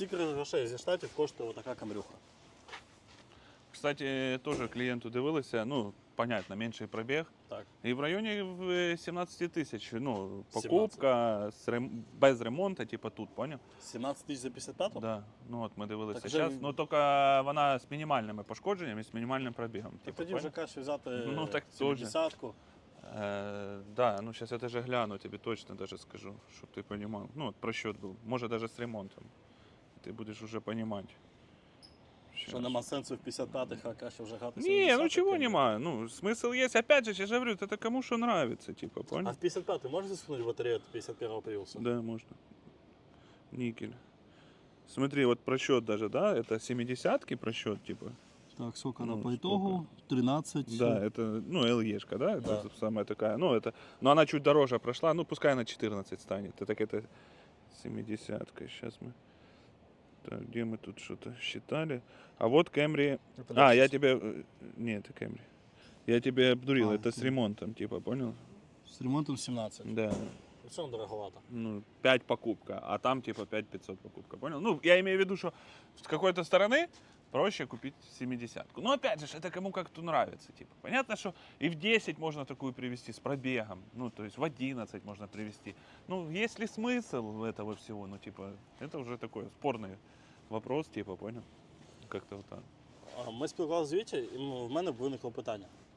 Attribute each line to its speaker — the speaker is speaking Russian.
Speaker 1: Стільки грошей зі штатів коштує отака камрюха.
Speaker 2: Кстати, теж клієнту дивилися, ну, понятно, менший пробіг.
Speaker 1: Так.
Speaker 2: І в районі 17 тисяч, ну, покупка без ремонту, типу тут, поняв?
Speaker 1: 17 тисяч за 55-ту?
Speaker 2: Да. Ну от ми дивилися
Speaker 1: Так
Speaker 2: зараз.
Speaker 1: вже-
Speaker 2: Ну тільки вона з мінімальними пошкодженнями, з мінімальним пробігом.
Speaker 1: Так
Speaker 2: Типу,
Speaker 1: тоді вже
Speaker 2: поняв?
Speaker 1: краще взяти
Speaker 2: Ну, так
Speaker 1: 70-ку.
Speaker 2: Да, ну сейчас я даже гляну, тебе точно даже скажу, чтобы ты понимал. Ну, вот просчет был, может даже с ремонтом. Ты будешь уже понимать.
Speaker 1: Що нема сенсу в 55-х, а краще вже грати
Speaker 2: Не, ну
Speaker 1: 70-х,
Speaker 2: чего
Speaker 1: тоді.
Speaker 2: нема, ну смысл есть. Опять же, я же говорю, это кому что нравится, типа,
Speaker 1: А
Speaker 2: понял?
Speaker 1: в 55-й можеш засунути батарею від 51-го Prius?
Speaker 2: Да, можно. Никель. Смотри, вот просчет даже, да, это 70-ки просчет, типа.
Speaker 1: Так, сколько
Speaker 2: Ну,
Speaker 1: она по
Speaker 2: сколько?
Speaker 1: итогу? 13.
Speaker 2: Да, это, ну, LE-шка, да, это
Speaker 1: Да.
Speaker 2: самая такая, ну, это, но она чуть дороже прошла, ну, пускай она 14 станет. Это это 70-ка, сейчас мы, так, где мы тут что-то считали, а вот Camry, я тебе, не, это Camry, я тебе обдурил, это с
Speaker 1: окей.
Speaker 2: ремонтом, типа, понял?
Speaker 1: С ремонтом 17.
Speaker 2: Да,
Speaker 1: Все дороговато.
Speaker 2: ну, 5 покупка, а там, типа, 5500 покупка, понял? Ну, я имею в виду, что с какой-то стороны проще купить 70-ку. Но опять же, это кому как-то нравится. Типа. Понятно, что и в 10 можно такую привезти с пробегом, ну, то есть в 11 можно привезти. Ну, есть ли смысл этого всего? Ну, типа, это уже такой спорный вопрос, типа, понял? Как-то вот так.
Speaker 1: Ми спілкувалися з Вітєю, і в мене виникло питання.